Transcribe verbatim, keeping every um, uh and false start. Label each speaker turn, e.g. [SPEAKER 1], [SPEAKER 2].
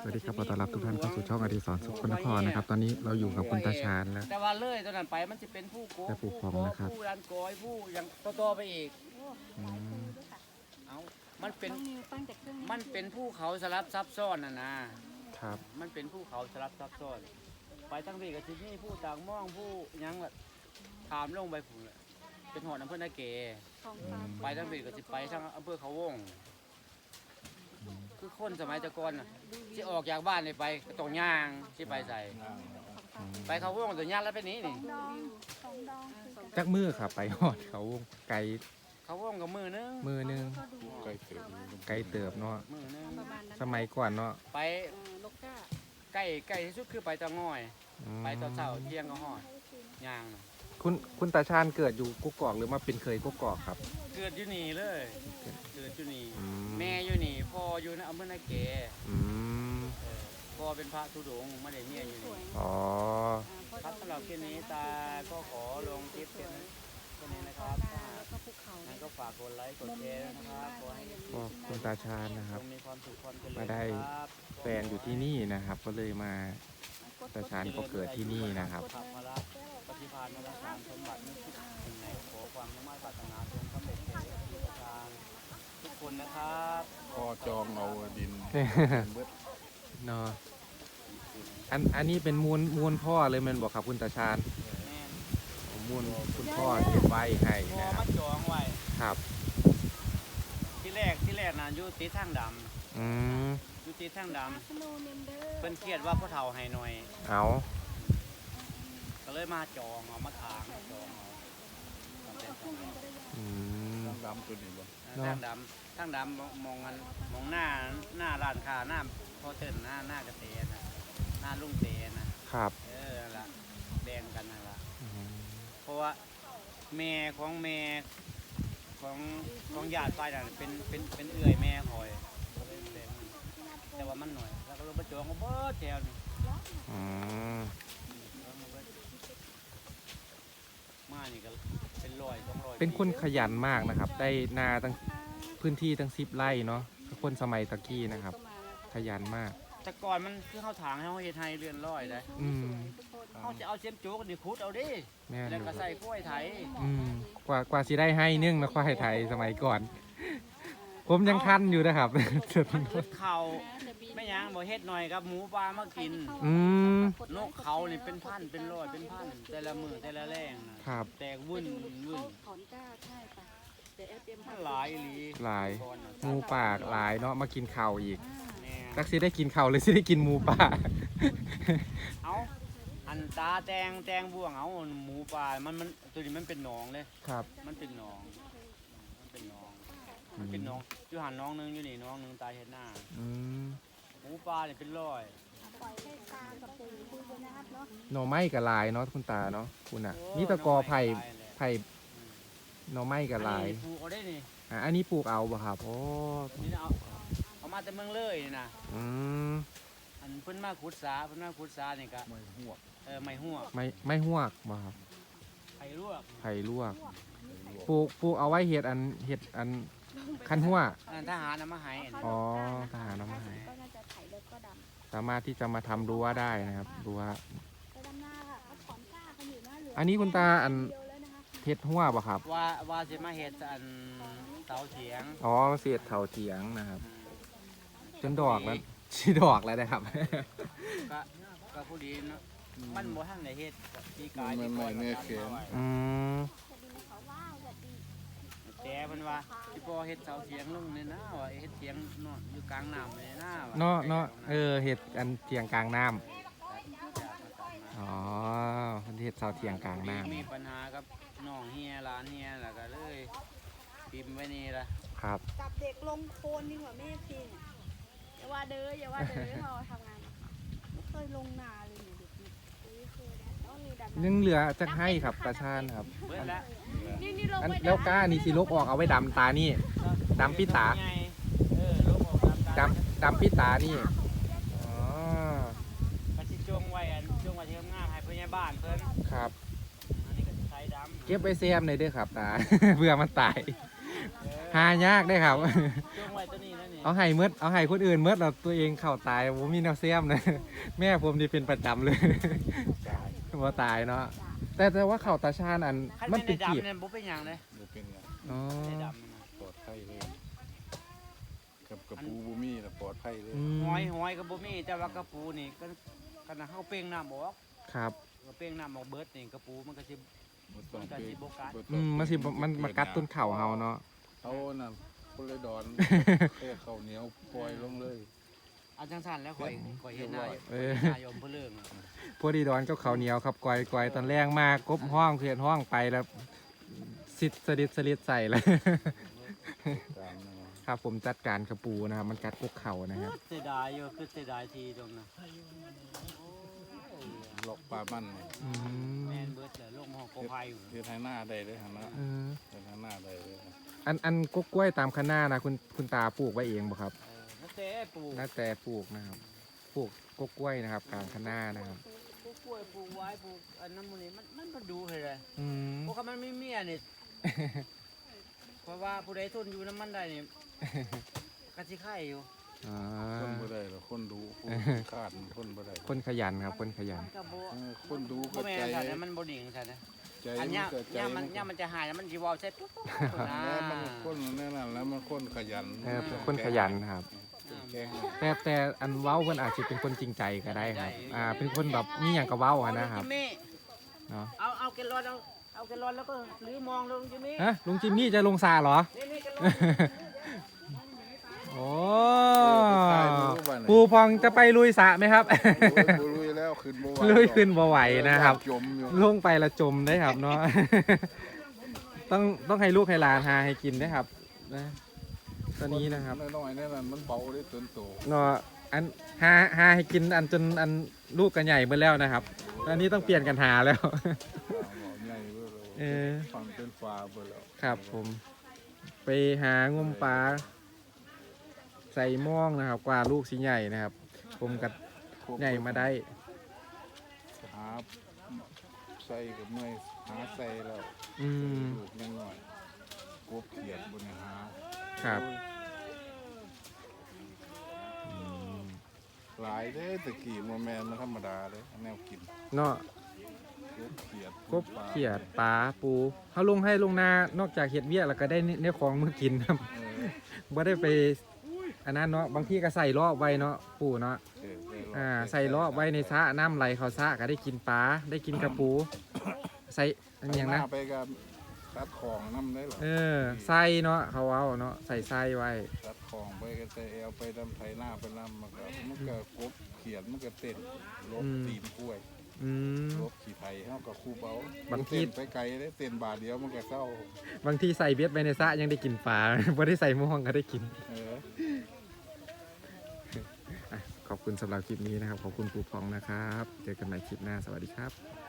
[SPEAKER 1] สวัสดีครับขอต้อนรับทุกท่านเข้าสู่ช่องอดิศรสุขนครนะครับตอนนี้เราอยู่กับคุณตาชาญแล้ว
[SPEAKER 2] แต่ว่าเลยตอนนั้นไปมันจะเป็นผู้โก
[SPEAKER 1] และผู้
[SPEAKER 2] ผู้
[SPEAKER 1] พอง
[SPEAKER 2] โก
[SPEAKER 1] นะครับ
[SPEAKER 2] ผู้รันกอยผู้ยังโตๆไปอีก
[SPEAKER 1] อืม
[SPEAKER 2] เอามันเป็น
[SPEAKER 3] น้องนิวตั้งแต่เครื่อง
[SPEAKER 2] มันเป็นภูเขาสลับซับซ้อนน่ะนะครับ มันเป็นภูเขาสลับซับซ้อน ไปทั้งพี่กับที่นี่ผู้ต่างม่องผู้ยังแบบถามลงไปผุนเลยเป็นหอดอำเภอนาเก
[SPEAKER 3] ของฟ้า
[SPEAKER 2] ไปทั้งพี่กับที่ไปทั้งอำเภอเขาวงคือคนสมัยแตะกอนน่ะที่ออกจากบ้านนี่ไปก็ต้องย่างที่ไปใส่ ไปเขาวงตัวย่างแล้วไปนี้นี่
[SPEAKER 3] ดองสองดอง
[SPEAKER 1] จักมือครับไปหอดเขาไกล
[SPEAKER 2] เขาวงกับมือนึง
[SPEAKER 1] มือหนึง
[SPEAKER 3] ก็ดู
[SPEAKER 4] ไกลเติบ
[SPEAKER 1] ไกลเติบเนาะ
[SPEAKER 2] มือนึง
[SPEAKER 3] ประมาณนั้น
[SPEAKER 1] สมัยก่อนเนาะ
[SPEAKER 2] ไป
[SPEAKER 3] เออลูกก้า
[SPEAKER 2] ใกล้ใกล้ที่สุดคือไปตะง่อย
[SPEAKER 1] อืม
[SPEAKER 2] ไปตอนเช้าเที่ยงก็หอดย่างน่ะ
[SPEAKER 1] คุณคุณตาชาญเกิดอยู่กุกกอกหรือมาเป็นเคยกุกกอกครับ
[SPEAKER 2] เกิดอยู่นี่เลย เกิดอยู่นี่
[SPEAKER 1] อืม
[SPEAKER 2] แม่อยู่นี่พ่ออยู่ในอำเภอนาเก
[SPEAKER 1] อืม
[SPEAKER 2] เออพ่อเป็นพระธุดงค์ไม่ได้เมียอยู่
[SPEAKER 3] สว
[SPEAKER 2] นี่
[SPEAKER 3] ย
[SPEAKER 1] อ๋อ
[SPEAKER 2] ครับสำหรับคลิปนี้ตาก็ขอลงคลิปเป็นแค่นี้นะครับถ้า
[SPEAKER 3] แล้วก็ภูเขา
[SPEAKER 2] งั้นก็ฝากกดไลค์กดแชร์ด้วยนะครับขอให้
[SPEAKER 1] ก็คุณตาชาญนะครับ
[SPEAKER 2] มีความสุขความเจริญ
[SPEAKER 1] มาได้
[SPEAKER 2] ครับ
[SPEAKER 1] แฟนอยู่ที่นี่นะครับ ก็เลยมาตาชาญก็เกิดที่นี่นะครับ
[SPEAKER 2] ขับมาละปฏิภาณมาละสามสมบัตินึกถึงไหนขอความมุ่งมั่นปรารถนาจงสำเร็จแก่ทุกประการทุกคนนะครับ
[SPEAKER 4] พอจองเอาดินเบิด
[SPEAKER 1] เนาะอันอันนี้เป็นมูลมูลพ่อเลยแมันบอกครับคุณตาชาญ
[SPEAKER 2] แม่น
[SPEAKER 1] มูลคุณพ่อเก็บไว้ให้
[SPEAKER 2] พอ
[SPEAKER 1] นะค
[SPEAKER 2] มา
[SPEAKER 1] รับ
[SPEAKER 2] จองไว้
[SPEAKER 1] ครับ
[SPEAKER 2] ที่แรกที่แรกนะอยู่ติดทางด
[SPEAKER 1] อืม
[SPEAKER 2] ำอยู่ติดทางด
[SPEAKER 3] สโนว์เนมเดอ
[SPEAKER 2] ำ
[SPEAKER 3] ร์
[SPEAKER 2] เพิ่นเครียดว่าพ่อเฒ่าให้หน่อย
[SPEAKER 1] เอา
[SPEAKER 2] ก็เลยมาจองเอามาทางจองเอาทำเป็นสมัย
[SPEAKER 1] อืม
[SPEAKER 4] ดำๆตัวนี้บ่
[SPEAKER 1] เนาะ
[SPEAKER 2] ทางดำทางดำมองกันมองหน้าหน้าร้านค้าหน้าพอเตินหน้าหน้ากระเตนะหน้าลุงเตนะครับ เออนั่นละแบ่งกันนั่นละ
[SPEAKER 1] อืม
[SPEAKER 2] เพราะว่าแม่ของแม่ของของญาติฝ่ายนั้นเป็นเป็นเป็นเอื่อยแม่คอยก็เลยแบ่งแต่ว่ามันหน่อยแล้วก็ลงมาจองก็เบิดแถวนี่
[SPEAKER 1] อืม
[SPEAKER 2] มานี่ก็เป็นร้อยสองร้อย
[SPEAKER 1] เป็นคนขยันมากนะครับ ได้นาตั้งพื้นที่ตั้งสิบไร่เนาะคนสมัยตะกี้นะครับ ขยันมาก
[SPEAKER 2] แต่ก่อนมันคือเขาถางให้เขาเฮ็ดให้เรือนร้อยได้
[SPEAKER 1] อืม
[SPEAKER 2] เขาจะเอาเสียมโจ๊กนี่ขุดเอาดิ
[SPEAKER 1] แม่น
[SPEAKER 2] แล้ว
[SPEAKER 1] อยู่
[SPEAKER 2] ก็ใส่กล้วยไถ
[SPEAKER 1] อืมกว่ากว่าสิได้ให้นึ่งนะควายไทยสมัยก่อน ผมยังทันอยู่นะครับ
[SPEAKER 2] มันอึดเข่าไม่ยังบ่เฮ็ดหน่อยครับหมูปลามากิน
[SPEAKER 1] อืม
[SPEAKER 2] นกเขานี่เป็นพันเป็นร้อยเป็นพันแต่ละมือแต่ละแรงนะครับ แตกวุ่นวุ่น
[SPEAKER 3] ถอนก้าใช่ปะเดี๋ยวเอฟเอ็ม
[SPEAKER 2] มันหลายอีหลี
[SPEAKER 1] หลาย
[SPEAKER 2] ก่อนน่ะ
[SPEAKER 1] หมูป่าหลายเนาะมากินข้าวอีก
[SPEAKER 2] แม่
[SPEAKER 1] ตักสิได้กินข้าวเลยสิได้กินหมูป่า
[SPEAKER 2] เอาอันตาแตงแตงบ่วงเอาหมูปลามันมันตัวนี้มันเป็นหนองเลย
[SPEAKER 1] ครับ
[SPEAKER 2] มันเป็นหนอง มันเป็นหนอง มันเป็นหนองอยู่หันน้องหนึงอยู่นี่น้องหนึงตายเห็นหน้า
[SPEAKER 1] อืม
[SPEAKER 2] หมูปลาเนี่ยเป็นร้อย
[SPEAKER 3] ปล่อยให้ตากับปูคุยกันนะครับเนาะ
[SPEAKER 1] หน่อไม้กับลายเนาะคุณตาเนาะคุณอ่ะนี่ตะกอไผ่ไผ่หน่อไม้กับลาย
[SPEAKER 2] อันนี้ปลูกเอาได้นี่
[SPEAKER 1] อ่ะอันนี้ปลูกเอาบ่ครับโอ้
[SPEAKER 2] นี่เอาเอามาแต่เมืองเลยนี่นะ
[SPEAKER 1] อืม
[SPEAKER 2] อันเพิ่นมาขุดสาเพิ่นมาขุดสานี่ก็
[SPEAKER 4] ไม่หัว
[SPEAKER 2] เออไม่หัว
[SPEAKER 1] ไม่ไม่หวกบ่ครับ
[SPEAKER 2] ไผ่ลวก
[SPEAKER 1] ไผ่ลวกปลูกปลูกเอาไว้เห็ดอันเห็ดอันคันหัว
[SPEAKER 2] อันนั้นทหารนำมาให้อันนี้
[SPEAKER 1] อ๋อทหารเอามาให้
[SPEAKER 3] ก็น่าจะไถเล็กก็ดำ
[SPEAKER 1] สามารถที่จะมาทำรั้วได้นะครับรั้ว
[SPEAKER 3] ไปดำหน้าค่ะเขาถอนก้ากันอยู่หน้าเหลือ
[SPEAKER 1] อันนี้คุณตาอัน
[SPEAKER 3] เดียวแล้วนะคะ
[SPEAKER 1] เห็ดหัวบ่ครับ
[SPEAKER 2] ว่าว่าสิมาเฮ็ดอันเสาเถียง
[SPEAKER 1] อ๋อเสียดเถาเถียงนะครับ จนดอกแล้วชีดอกแล้วนะครับ
[SPEAKER 2] ก็ก็ผู้ดีเนาะมันบ่ทันได้เฮ็ดปีกาย
[SPEAKER 4] ไม่
[SPEAKER 2] ที่
[SPEAKER 4] ไม่
[SPEAKER 2] ก่อน
[SPEAKER 4] เนื้อ
[SPEAKER 2] มัน
[SPEAKER 4] เค็ม
[SPEAKER 2] ทำไว้
[SPEAKER 1] อืม
[SPEAKER 3] จะดีเขาว้าวจะดี
[SPEAKER 2] แต่เพิ่นว่าสิพอเฮ็ดเสาเถียงลงนี่นะว่าเฮ็ดเถียงเนาะอยู่กลางน้ำนี่นะว่
[SPEAKER 1] เนาะเนาะเออเห็ดอันเถียงกลางน้ำอ๋อเห็ดเสาเถียงกลางน้
[SPEAKER 2] มีปัญหากับน้องเฮียหลานเฮียแล้วก็เลยพิมพ์ไว้นี่ละ
[SPEAKER 1] ำครับ
[SPEAKER 3] จับเด็กลงโคลนดีกว่าแม่พีเนี่ยอย่าว่าเด้ออย่าว่าเด้อเราทำงานมาไม่เคยลงนาเลยเนี่ยเด็กนี่ไม่เคยนะต้องมีดับ
[SPEAKER 1] ยังเหลือจะให้ครับตาชาญครับ
[SPEAKER 2] เบิดแล้ว
[SPEAKER 3] นี่นี่ลง
[SPEAKER 1] อัน
[SPEAKER 3] ไป
[SPEAKER 1] แล้วก้านี่สิลกออกเอาไว้ดำตานี่ ดำปิตา
[SPEAKER 2] เออลูกออกดำ
[SPEAKER 1] ดำดำพิตานี่อ๋อ
[SPEAKER 2] ก็สิจงไว้อันจงไว้ที่งามให้เพิ่นยบ้านเพิ่น
[SPEAKER 1] ครับ
[SPEAKER 2] อันนี้ก็สิใช้ดำ
[SPEAKER 1] เก็บไว้แซมเลยเด้วยครับตา เพื่อมันตาย
[SPEAKER 2] เออ
[SPEAKER 1] หายากได้อครับ
[SPEAKER 2] จงไว้ตัวนี้นั่นนี่
[SPEAKER 1] เอาให้เมดเอาให้คนอื่นเมดเราตัวเองเข้าตายผมมีแนวเสียมนะ แม่ผมนี่เป็นประจำเลย
[SPEAKER 4] ตาย
[SPEAKER 1] ว่าตายเนาะแต่แต่ว่าเข่าตาชาญอัน
[SPEAKER 2] คัน
[SPEAKER 1] มัน
[SPEAKER 2] เป็น
[SPEAKER 1] เป็น
[SPEAKER 2] ใน
[SPEAKER 1] กีบ
[SPEAKER 2] ดำเนี่ยบ่เป็นหยังเลย
[SPEAKER 4] บ่เป็นหยัง
[SPEAKER 1] อ๋อ
[SPEAKER 2] ในดำน่ะ
[SPEAKER 4] ปลอดภัยเลยกับกระปูบ่มีน่ะปลอดภัยเลย
[SPEAKER 1] อืม
[SPEAKER 2] หอยหอยกับบ่มีแต่ว่ากระปูนี่ก็ขนาดเฮาเป้งน้ำออก
[SPEAKER 1] ครับ
[SPEAKER 2] ก็เป้งน้ำออกเบิดนี่กระปูมันก็สิ
[SPEAKER 4] บ่ต้อง
[SPEAKER 2] มันก็
[SPEAKER 4] ไป
[SPEAKER 2] สิบ่กัด
[SPEAKER 4] บ่ต้
[SPEAKER 1] อื
[SPEAKER 4] อง
[SPEAKER 1] ม
[SPEAKER 4] ไป
[SPEAKER 1] มันสิมันมันกัดต้นเข่าเฮาเนาะ
[SPEAKER 4] เขาน่ะคนเลยดอน แค่ข้าวเหนียวปล่อยลงเลย
[SPEAKER 2] เอาจังซั่นแล้วข่อยข่อยเห็นหน้าอยู่
[SPEAKER 1] เออ
[SPEAKER 2] นายอมเพื่อเรื่องอะ
[SPEAKER 1] พวกดีดอนก็เขาวเหนียวครับกอยกอยตอนแรกมากกบห้องเขียนห้องไปแล้วสิดสลิดสลิดใส่เลย
[SPEAKER 4] ตามนั่นน่ะ
[SPEAKER 1] ครับผมจัดการกระปูนะครับ มันกัดกกเข่านะครับ
[SPEAKER 2] เสียดายอยู่คือเสียดายทีตรงนั้น
[SPEAKER 4] หลอกปลามันนี่
[SPEAKER 1] อื
[SPEAKER 2] แม่
[SPEAKER 1] ม
[SPEAKER 2] นเบิดเลยลงหอกกอไผ่อยู่
[SPEAKER 4] เฮ็ดให้หน้าได้เลยหั่นนะ
[SPEAKER 1] เออ
[SPEAKER 4] เฮ็ดให้หน้าได้เลยนะ
[SPEAKER 1] อันอันกกกล้วยตามคณะนะคุณคุณตาปลูกไว้เองบ่ครับ
[SPEAKER 2] เออนั่นแต่ปลูก
[SPEAKER 1] น่าแต่ปลูกนะครับปลูกกกกล้วยนะครับกลางคณะนะครับ
[SPEAKER 2] ปลูกกล้วยปลูกไว้ปลูกอันนั้นมันนี่มันมันมาดูเลยเลย
[SPEAKER 1] อืม
[SPEAKER 2] พวกมันไม่มีอันนี่ เพราะว่าผู้ใดทนอยู่น้ำมันได้นี่กะสิไข่อยู่
[SPEAKER 1] อ่า
[SPEAKER 4] คนบ่ได้หรอกคนดูคนคาดคนบ่ได้
[SPEAKER 1] คนขยันครับคนขยัน
[SPEAKER 2] มันก็บ่
[SPEAKER 4] เออคนดู
[SPEAKER 2] บ่
[SPEAKER 4] ก็
[SPEAKER 2] แม่
[SPEAKER 4] ใจ
[SPEAKER 2] นซั่นนะมันบ่ดิ่งซั่นนะ
[SPEAKER 4] ใจ
[SPEAKER 2] อัน
[SPEAKER 4] มั
[SPEAKER 2] เนี้
[SPEAKER 4] น
[SPEAKER 2] ย
[SPEAKER 4] ก็ใจ
[SPEAKER 2] ย่ามั
[SPEAKER 4] มัน น
[SPEAKER 2] ย่ามันจะหายแล้วมันสิเว้าใส่ปุ๊บปุ๊บปุ๊บนะ
[SPEAKER 4] แล้วมันคนแน่นั่นแล้วมันคนขยัน
[SPEAKER 1] เออเป็นคนขยันครับ
[SPEAKER 4] แข็ง
[SPEAKER 1] แต่แต่อันเว้าเพิ่นอาจจะเป็นคนจริงใจก็ได้ครับ อ่า เป็นคนแบบมีอย่างกับเว้าอะนะครับ
[SPEAKER 2] ลุงจิมมี่
[SPEAKER 1] เนาะ
[SPEAKER 2] เอาเอาแกลลอนเอาเอาแกลลอนแล้วก็หรือมองลุงจิมมี่
[SPEAKER 1] ฮะลุงจิมมี่จะลงสาเหรอ
[SPEAKER 2] นี่นี่แกลลอน
[SPEAKER 1] โอ้
[SPEAKER 4] ตายบ่รู้ว่าไหน
[SPEAKER 1] ปูพองจะไปลุยสระไหมครับ
[SPEAKER 4] บ่ลุยแล้วขึ้นบ่ไหว
[SPEAKER 1] ลุยขึ้นบ่ไหวนะครับ
[SPEAKER 4] จมอยู่
[SPEAKER 1] ลงไปละจมได้ครับเนาะ ต้องต้องให้ลูกให้หลานหาให้กินนะครับนะตอนนี้นะครับ
[SPEAKER 4] น้อยๆนั่นน่ะมันเบาได้ต้นโต
[SPEAKER 1] เนาะอันหาหาให้กินอันจนอันลูกกันใหญ่เมื่อแล้วนะครับตอนนี้ต้องเปลี่ยนกันหาแล้ว
[SPEAKER 4] เอาใหญ่เบ้อ
[SPEAKER 1] เอ
[SPEAKER 4] แล้ว
[SPEAKER 1] อ
[SPEAKER 4] ฟังเป็นฟ้าเบ้อแล้ว
[SPEAKER 1] ครับผม ไปหางมปลาใส่หม่องนะครับ กว่าลูกสิใหญ่นะครับ ผมกัดใหญ่มาได้
[SPEAKER 4] หาใส่กับเมื่อยหาใส่แล้ว
[SPEAKER 1] อืม
[SPEAKER 4] ลูกยังน้อยกบเขียดบนหา
[SPEAKER 1] ครับ
[SPEAKER 4] หลายเด้ตะกี้โมแมนมันธรรมดาเลยแนวกิน
[SPEAKER 1] เนาะ
[SPEAKER 4] กบเขียด
[SPEAKER 1] กบเขียดปลาปูเขาลงให้ลงนานอกจากเห็ดเวียแล้วก็ได้เนื้อของมือกินครับ
[SPEAKER 4] เออ
[SPEAKER 1] บ่ได้ไปอันนั้นเนาะบางที่ก็ใส่ล้อไว้เนาะปูเนาะ
[SPEAKER 4] เออได้รบ
[SPEAKER 1] อ่าใส่ล้อไว้ในสระน้ำไหลเขาสระก็ได้กินปลาได้กินกระปูใส่อันอย่างนะ
[SPEAKER 4] หไปกับตัดของน้ำได้หรอ
[SPEAKER 1] เออใส่เนาะเขาเอาเนาะใส่ไส้ไว้
[SPEAKER 4] ตัดของไปก็ใส่เอวไปดำไทยหน้าไปน้ำมันก็มันก็กบเขียดมันก็เต้นลบตีนกล้วย
[SPEAKER 1] อืม
[SPEAKER 4] ลบขี่ไทยเฮากับครูเบา
[SPEAKER 1] บางที
[SPEAKER 4] เต้นไปไกลได้เต้นบาทเดียวมันก็เศร้า
[SPEAKER 1] บางทีใส่เบ็ดไว้ในสระยังได้กินปลา บ่ได้ใส่หม่วงก็ได้กิน
[SPEAKER 4] เออ
[SPEAKER 1] อ่ะขอบคุณสำหรับคลิปนี้นะครับ ขอบคุณปูพองนะครับ เจอกันใหม่คลิปหน้า สวัสดีครับ